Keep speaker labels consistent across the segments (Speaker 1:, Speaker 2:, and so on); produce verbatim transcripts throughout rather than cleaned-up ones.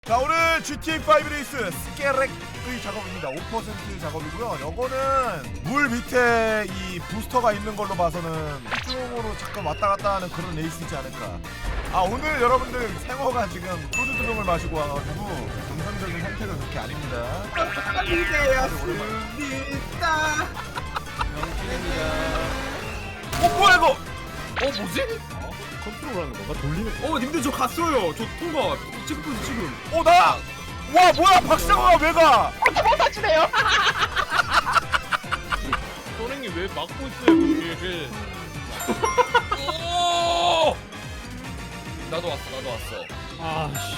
Speaker 1: 자, 오늘 지티에이 파이브 레이스 스케렉의 작업입니다. 오 퍼센트 작업이고요. 요거는 물 밑에 이 부스터가 있는 걸로 봐서는 이쪽으로 잠깐 왔다 갔다 하는 그런 레이스이지 않을까. 아, 오늘 여러분들 생어가 지금 소주 두 병을 마시고 와가지고 정상적인 상태가 그렇게 아닙니다.
Speaker 2: 이대였습니다.
Speaker 1: 어, 뭐야 이거?
Speaker 2: 어 뭐지?
Speaker 3: 컨트롤하는 건가? 돌리는 거?
Speaker 2: 어 님들 저 갔어요. 저 통과. 지금 지금.
Speaker 1: 어, 나! 와, 뭐야, 박상호가 왜 가?
Speaker 3: 선생님 왜 막고 있어요 거기를?
Speaker 4: 오! 나도 왔어, 나도 왔어.
Speaker 3: 아씨.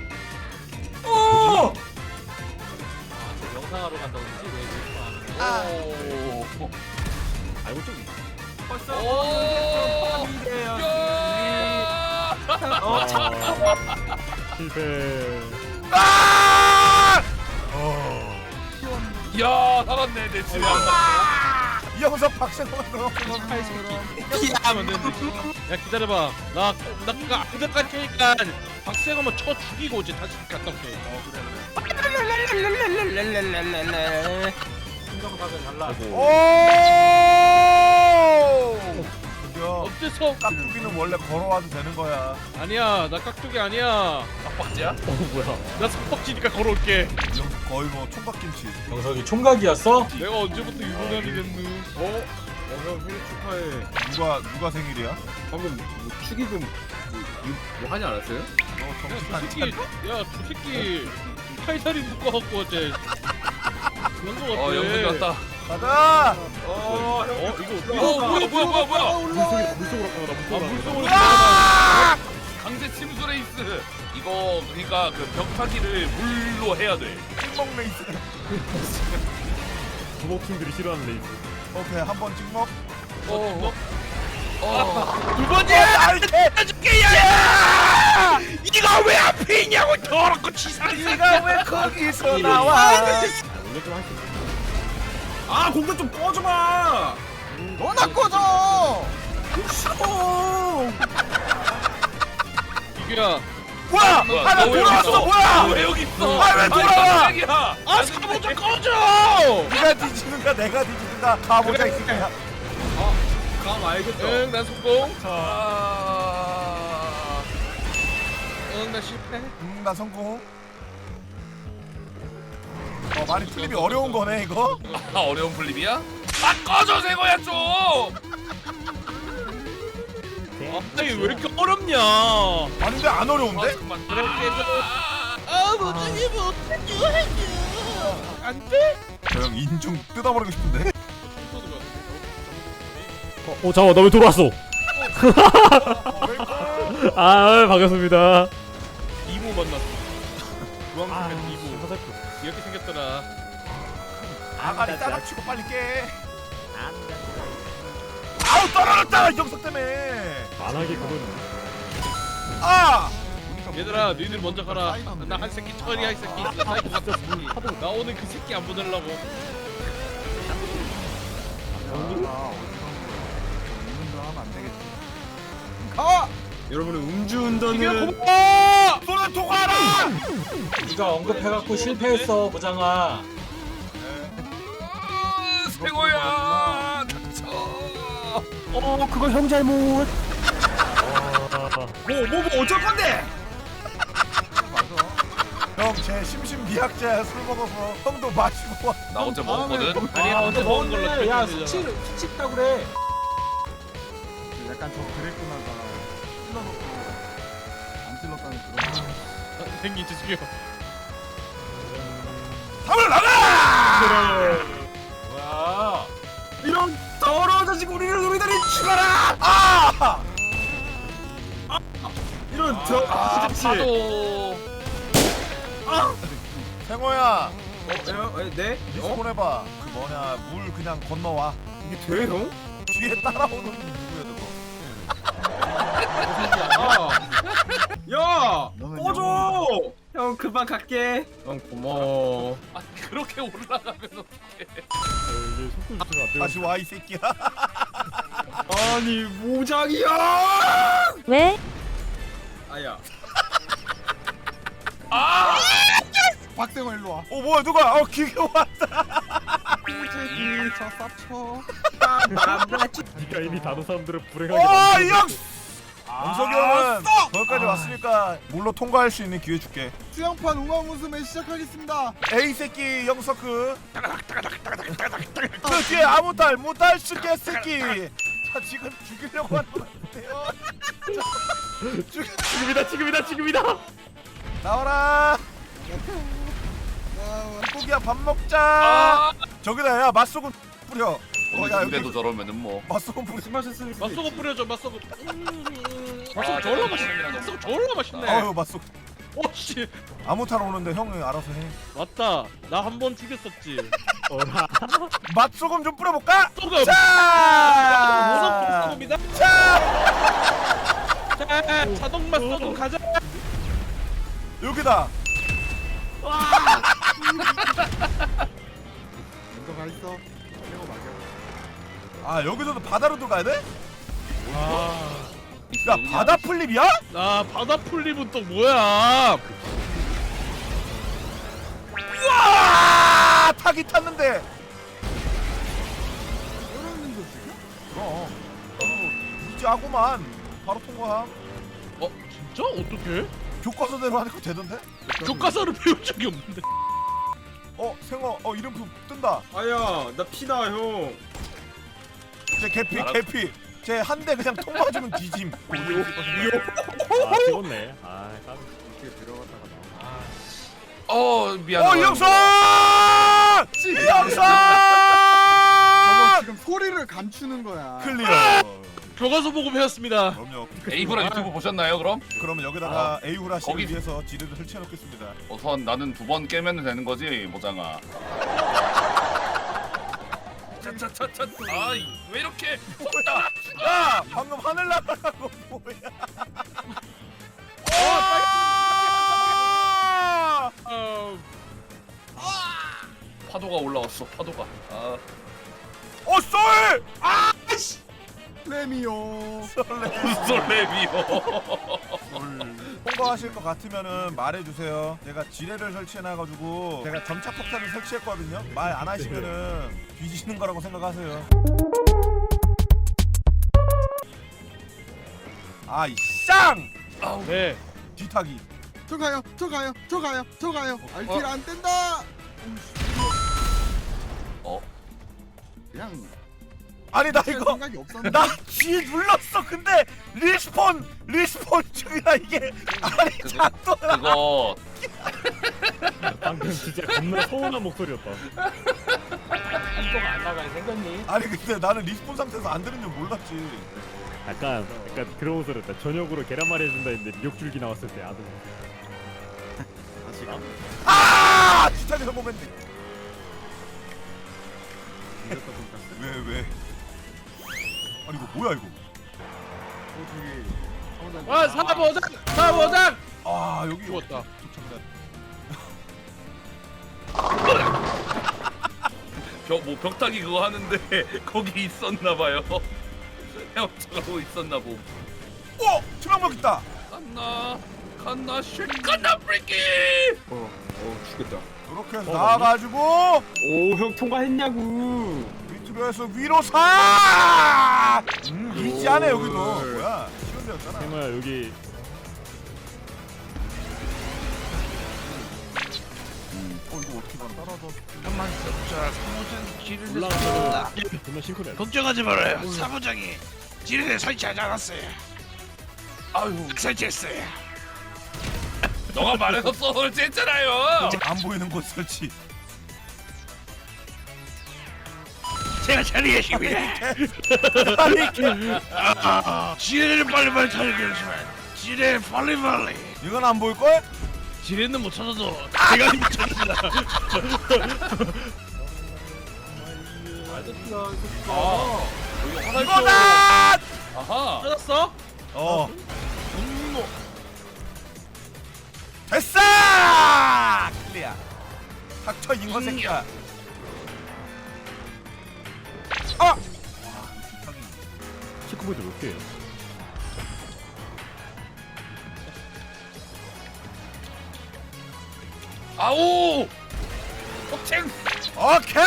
Speaker 2: 오!
Speaker 3: 영상하러 간다고 그러지? 왜 이렇게 하는
Speaker 4: 오.
Speaker 3: 알고 좀.
Speaker 2: 벌써
Speaker 4: 오.
Speaker 2: 이대였습니다. 어 참.
Speaker 3: 실패.
Speaker 1: 아!
Speaker 4: 야, 살았네, 내 집에.
Speaker 1: 이 영상 박상호가 그렇구나.
Speaker 3: 하면 되는데. 야 기다려봐. 나 나가 그때까지 하니까 박세가 한번 쳐 죽이고 이제 다시 갔다 올게. 어 그래 그래. 신경사가 달라.
Speaker 1: 오! 드디어
Speaker 3: 어째서?
Speaker 1: 깍두기는 원래 걸어와도 되는 거야.
Speaker 3: 아니야 나 깍두기 아니야.
Speaker 4: 빡빡지야?
Speaker 3: 어 뭐야? 나 석박지니까 걸어올게.
Speaker 1: 이 형 거의 뭐 총각김치.
Speaker 5: 영석이 총각이었어?
Speaker 3: 내가 언제부터 유부남이 됐누? 어? 어형 생일 축하해.
Speaker 1: 누가 누가 생일이야?
Speaker 2: 방금 뭐 축의금 뭐, 뭐 하지 않았어요?
Speaker 1: 너
Speaker 3: 야저
Speaker 1: 정신
Speaker 3: 새끼
Speaker 1: 안 차려?
Speaker 3: 야저 새끼 팔다리 묶어갖고 어제 그런 거 같아.
Speaker 4: 어, 영석이 왔다.
Speaker 1: 가자!
Speaker 2: 어,
Speaker 3: 어 이거
Speaker 4: 어, 뭐야, 뭐야, 뭐야, 뭐야.
Speaker 3: 물속에 물속으로 가다
Speaker 4: 아,
Speaker 3: 물속으로
Speaker 4: 물속으로
Speaker 3: 가다.
Speaker 4: 강제 침수 레이스. 이거 그러니까 그 벽타기를 물로 해야 돼.
Speaker 1: 찍먹 레이스.
Speaker 3: 부먹킹들이 싫어하는 레이스.
Speaker 1: 오케이, 한 번 찍먹.
Speaker 4: 어, 어.
Speaker 3: 두 번째야! 해줄게 야! 이거 왜 앞에 있냐고 더럽고 치사한
Speaker 1: 네가 왜 거기서 나와?
Speaker 3: 원래 좀 할 수 있어.
Speaker 2: 아 공간 좀 꺼줘봐.
Speaker 1: 너나 꺼져!
Speaker 2: 싫어.
Speaker 3: 이규야
Speaker 1: 뭐야!
Speaker 4: 뭐야,
Speaker 1: 아, 나
Speaker 4: 너왜 여기
Speaker 1: 돌아왔어!
Speaker 4: 있어?
Speaker 1: 뭐야!
Speaker 4: 너왜 여기 있어?
Speaker 1: 아, 왜 돌아와?
Speaker 4: 깜짝이야.
Speaker 3: 아 사모 좀 꺼져!
Speaker 1: 네가 뒤지는가 내가 뒤지는가 가보자 이 새끼야.
Speaker 2: 감 알겠죠?
Speaker 3: 응 난 성공.
Speaker 4: 아.
Speaker 3: 응 나 실패.
Speaker 1: 음, 나 성공. 어, 많이 플립이 어려운 거네 이거.
Speaker 4: 아, 어려운 플립이야? 아, 꺼져, 세거야 좀.
Speaker 3: 아니 왜 이렇게 어렵냐?
Speaker 1: 아닌데 안 어려운데?
Speaker 4: 잠깐만.
Speaker 3: 그렇게
Speaker 4: 아,
Speaker 3: 못하게 못해줘 해줘. 안 돼?
Speaker 1: 저 형 인중 뜯어버리고 싶은데.
Speaker 6: 어, 어 잠깐만 나 왜 돌아왔어? 아 반갑습니다.
Speaker 3: 이모 만났어. 주황색
Speaker 6: 아,
Speaker 3: 이모.
Speaker 6: 화살표.
Speaker 3: 이렇게 생겼더라.
Speaker 1: 아가리 따닥 치고 빨리 깨. 아우 떨어졌다 영석 때문에.
Speaker 6: 만하게 그건
Speaker 1: 아!
Speaker 3: 얘들아 너희들 먼저 가라. 나 한 새끼 처리야 이 새끼. 나 사이코 같은 새끼. 나 오늘 그 새끼 안 보내려고.
Speaker 1: 가!
Speaker 2: 여러분은 음주운전은
Speaker 1: 어! 손을 통하라!
Speaker 5: 네가 언급해갖고 실패했어 보장아.
Speaker 4: 아, 세거야. 닥쳐.
Speaker 6: 어 그거 형 잘못.
Speaker 2: 뭐뭐 뭐 어쩔 건데?
Speaker 1: 형 제 심신미약자야. 술 먹어서 형도 마시고 와.
Speaker 4: 나 어제 먹었거든.
Speaker 3: 아니야 어제 먹은 걸로
Speaker 5: 야
Speaker 3: 결정되잖아.
Speaker 5: 수치 수치 있다 그래.
Speaker 7: 약간 저 그랬구나가 찔러놓고 안 찔렀다는 그런
Speaker 3: 생긴 지 죽여.
Speaker 1: 답을 나가!
Speaker 5: 뭐야?
Speaker 2: 이런 더러운 자식 우리를 우리들이 죽어라.
Speaker 1: 아!
Speaker 2: 이런 더
Speaker 1: 아,
Speaker 4: 파도.
Speaker 1: 생호야,
Speaker 2: 어, 에, 에, 네?
Speaker 1: 리스폰 해봐. 그 뭐냐, 물 그냥 건너와.
Speaker 2: 이게 돼 형?
Speaker 1: 뒤에 따라오는 누구야 저거?
Speaker 2: 야!
Speaker 7: 너는
Speaker 2: 꺼줘! 형 금방 갈게. 형 고마워.
Speaker 4: 아, 그렇게 올라가면서
Speaker 3: 이제 속도 조절 안 되고.
Speaker 1: 다시 와 이 새끼야.
Speaker 2: 아니 모장이야!
Speaker 8: 왜?
Speaker 2: 아야.
Speaker 4: 아!
Speaker 7: 박생호 일로 와.
Speaker 1: 어 뭐야 누가? 어 기계 왔다.
Speaker 7: 꾸재기 저 쌉쳐.
Speaker 6: 니가 이미 다른 사람들을 불행하게
Speaker 1: 어
Speaker 6: 만들어.
Speaker 1: 이 형. 영석이 형은 거기까지 왔으니까 물로 통과할 수 있는 기회 줄게.
Speaker 7: 수영판 우왕 웃음에 시작하겠습니다.
Speaker 1: 에이 새끼 영석그. 그 뒤에 아무 딸 무딸 쓰게 새끼. 자 지금 죽이려고 하는 것 같은데요. 죽
Speaker 6: 지금이다 지금이다 지금이다.
Speaker 1: 나와라.
Speaker 7: 아,
Speaker 1: 고기야 밥 먹자.
Speaker 4: 아!
Speaker 1: 저기다 야 맛소금 뿌려. 어,
Speaker 4: 오늘
Speaker 1: 야,
Speaker 4: 군대도
Speaker 1: 여기
Speaker 4: 저러면은 뭐.
Speaker 1: 맛소금 뿌려.
Speaker 2: 술 마셨으니까.
Speaker 3: 맛소금 뿌려줘 맛소금.
Speaker 4: 아,
Speaker 3: 맛소금 졸라 맛있네. 맛소금 졸라 맛있네.
Speaker 1: 아유 맛소금.
Speaker 3: 오씨
Speaker 1: 아무 탈 오는데 형이 알아서 해.
Speaker 3: 맞다. 나 한 번 죽였었지.
Speaker 6: 어라.
Speaker 1: 맛소금 좀 뿌려볼까?
Speaker 3: 소금.
Speaker 1: 자.
Speaker 3: 소금이다.
Speaker 1: 자.
Speaker 3: 자 자동 맛소금 가자.
Speaker 1: 여기다.
Speaker 7: 먼저 가 있어. 최고 맞아.
Speaker 1: 아 여기서도 바다로 들어가야 돼?
Speaker 3: 아,
Speaker 1: 야 바다 플립이야?
Speaker 3: 나 바다 풀립은 또 뭐야?
Speaker 1: 우와 타기 탔는데.
Speaker 7: 떨어지는 거 지금?
Speaker 1: 어. 이지하고만 바로 통과함.
Speaker 3: 어 진짜 어떻게?
Speaker 1: 교과서대로 하니까 되던데?
Speaker 3: 교과서를 배운 적이 없는데.
Speaker 1: 어 생어 어 이름표 뜬다.
Speaker 2: 아야 나 피다 형.
Speaker 1: 제 개피
Speaker 4: 알아.
Speaker 1: 개피. 제 한 대 그냥 통 맞으면 뒤짐.
Speaker 6: 아 찍었네. 아 깜.
Speaker 7: 이렇게 들어갔다가 나와.
Speaker 4: 어 미안해.
Speaker 1: 어 이영선!
Speaker 7: 저거
Speaker 1: 이영선!
Speaker 7: 지금 소리를 감추는 거야.
Speaker 1: 클리어.
Speaker 3: 교과서 보고 배웠습니다.
Speaker 1: 그럼요.
Speaker 4: 에이브라 유튜브 보셨나요 그럼?
Speaker 1: 그러면 여기다가 에이후라 씨를
Speaker 4: 거기-
Speaker 1: 위해서 지뢰를 설치해 놓겠습니다.
Speaker 4: 우선 나는 두 번 깨면 되는 거지 모장아. 차차차차. 아왜 이렇게 속다.
Speaker 1: 야 방금 하늘 날아간 거 뭐야? 어!
Speaker 4: 파도가 올라왔어 파도가. 아
Speaker 1: 어 쏠!
Speaker 7: 레미오.
Speaker 1: 쏠래.
Speaker 4: 솔레비오.
Speaker 1: 통과하실 것 같으면은 말해주세요. 제가 지뢰를 설치해놔가지고 제가 점차 폭탄을 설치했거든요. 말 안 하시면은 뒤지시는 거라고 생각하세요. 아이 쌍!
Speaker 3: 네.
Speaker 1: 뒤타기.
Speaker 7: 저 가요. 저 가요. 저 가요. 저 가요. 알티를 안 뗀다.
Speaker 4: 어
Speaker 7: 그냥
Speaker 1: 아니 나
Speaker 7: 할
Speaker 1: 이거
Speaker 7: 생각이 없었는데.
Speaker 1: 나 G 눌렀어. 근데 리스폰 리스폰 중이라 이게 아니
Speaker 4: 그-
Speaker 1: 작동을
Speaker 4: 그거
Speaker 6: 방금 진짜 겁나 서운한 목소리였다.
Speaker 5: 한동안 안 나갈 생각니?
Speaker 1: 아니 근데 나는 리스폰 상태에서 안 되는 줄 몰랐지.
Speaker 6: 약간 약간 그런 목소리였다. 저녁으로 계란말이 해준다 했는데 미역줄기 나왔을 때 아들.
Speaker 7: 다시 가.
Speaker 1: 아! 뒤타기 성공했네. 왜 왜? 아니 이거 뭐야 이거?
Speaker 7: 어 저기.
Speaker 3: 아 사보장 사보장.
Speaker 1: 아 여기
Speaker 3: 죽었다.
Speaker 4: 벽뭐 벽타기 그거 하는데 거기 있었나 봐요. 헤엄쳐가고 있었나 보.
Speaker 1: 오! 투명벽 있다.
Speaker 4: 칸나 칸나 쉣 칸나 브레이키.
Speaker 2: 어, 어 죽겠다.
Speaker 1: 이렇게 해서
Speaker 6: 어,
Speaker 1: 나와가지고
Speaker 2: 오 형 통과했냐고.
Speaker 1: 밑으로 해서 위로 사. 음, 이지하네 여기도. 뭐야? 쉬운 데였잖아.
Speaker 6: 생호야 여기
Speaker 1: 어 이거 어떻게 가? 따라서.
Speaker 8: 잠깐만 자 사무장 지뢰를
Speaker 6: 올라가서 정말 싱크로해.
Speaker 8: 걱정하지 말아요. 사무장이 지뢰를 설치하지 않았어요.
Speaker 4: 아유
Speaker 8: 설치했어요.
Speaker 4: 너가 말해서 설치했잖아요.
Speaker 1: 안 보이는 곳 설치.
Speaker 8: 제가 처리했습니다.
Speaker 1: 아니
Speaker 8: 아, 지뢰를 빨리빨리 처리했지만 지뢰 빨리빨리.
Speaker 1: 이건 안 보일 걸?
Speaker 8: 지뢰는 못 찾아도 제가 찾습니다.
Speaker 4: 아 여기 화살표.
Speaker 1: 이거다!
Speaker 4: 아하.
Speaker 3: 찾았어?
Speaker 1: 어.
Speaker 8: 분노.
Speaker 1: 됐어! 클리어. 닥쳐 인간 새끼야. 아!
Speaker 6: 체크보드 몇 개예요?
Speaker 4: 아오 폭행
Speaker 1: 오케이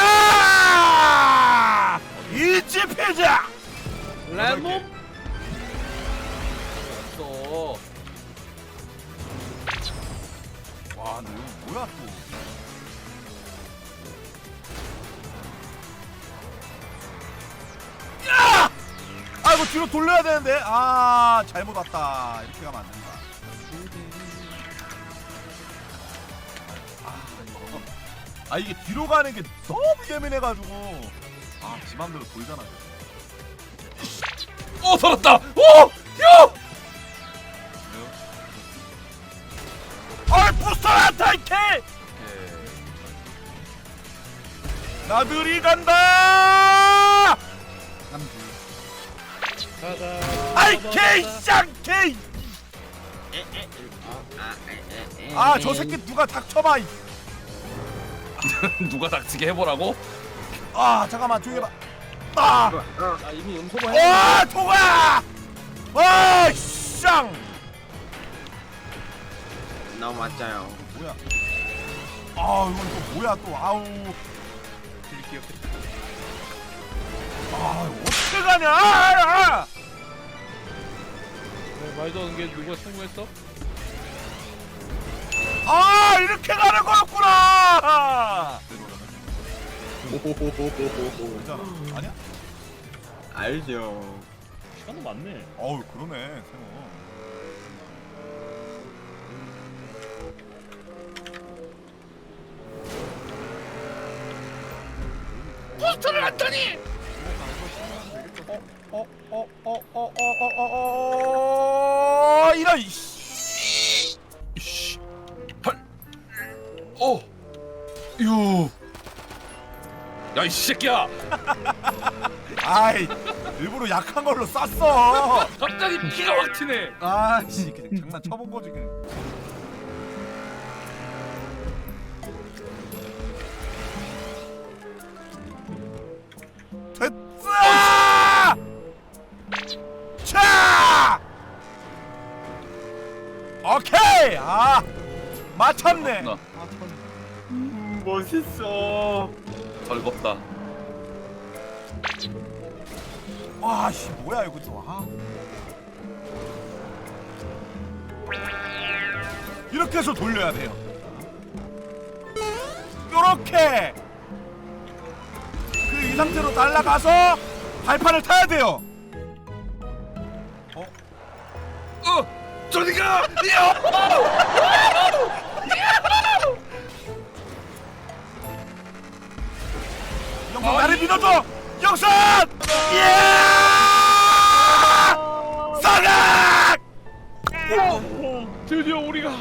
Speaker 1: 이지 피자
Speaker 3: 레몬
Speaker 4: 없어.
Speaker 1: 와 근데 이거 뭐야 또 야! 아이고 뒤로 돌려야 되는데 아 잘못 왔다 이렇게 가면 안 된다 아 이거 아 이게 뒤로 가는 게 너무 예민해가지고 아 지 맘대로 돌잖아
Speaker 4: 오 살았다. 오 야.
Speaker 1: 어이 부스터야 타이케 나들이 간다 아이 개쌍개 아 저 새끼 누가 닥쳐봐 이.
Speaker 4: 누가 닥치게 해보라고?
Speaker 1: 아 잠깐만 조용히 해봐 아!
Speaker 5: 아 이미 음소거
Speaker 1: 와 통화 와쌍
Speaker 2: 너무 맞아요.
Speaker 1: 뭐야 아 이건 또 뭐야 또 아우 아 이거 어떻게 가냐 아, 아.
Speaker 3: 네, 말도 안 게 누가 성공했어?
Speaker 1: 아 이렇게 가는 거였구나 괜찮아 아니야?
Speaker 2: 알죠.
Speaker 6: 시간은 많네.
Speaker 1: 어우 그러네 세모
Speaker 8: 포스터를 놨더니
Speaker 1: 어, 어, 어, 어, 어, 어, 어, 어, 이런 씨.
Speaker 4: 이씨 헐 어유 야 이 새끼야
Speaker 1: 아이, 일부러 약한 걸로 쐈어.
Speaker 4: 갑자기 피가 확 튀네.
Speaker 1: 아, 씨, 그냥 장난 쳐본 거지 그냥. 됐어! 차! 오케이! 아, 맞췄네.
Speaker 4: 나
Speaker 2: 음, 멋있어.
Speaker 4: 즐겁다.
Speaker 1: 와, 씨, 뭐야 이거 또. 아. 이렇게 해서 돌려야 돼요. 요렇게. 그 이 상태로 날아가서 발판을 타야 돼요. 어?
Speaker 4: 어 저리가. 야!
Speaker 1: 영선 나를 믿어줘! 영선! 예! 사각!
Speaker 3: 드디어 우리가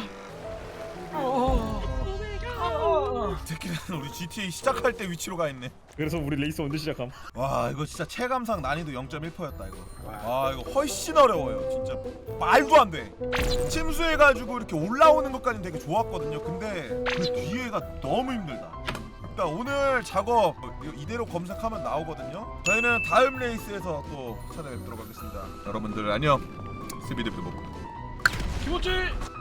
Speaker 1: 새끼는 우리 지티에이 시작할 때 위치로 가 있네.
Speaker 6: 그래서 우리 레이스 언제 시작함?
Speaker 1: 와 이거 진짜 체감상 난이도 영 점 일 퍼센트였다 이거. 와 이거 훨씬 어려워요 진짜 말도 안 돼. 침수해가지고 이렇게 올라오는 것까지는 되게 좋았거든요. 근데 그 뒤에가 너무 힘들다. 일단 오늘 작업 이거 이대로 검색하면 나오거든요. 저희는 다음 레이스에서 또 찾아뵙도록 하겠습니다. 여러분들 안녕. 스비드비드 먹고.
Speaker 3: 김호지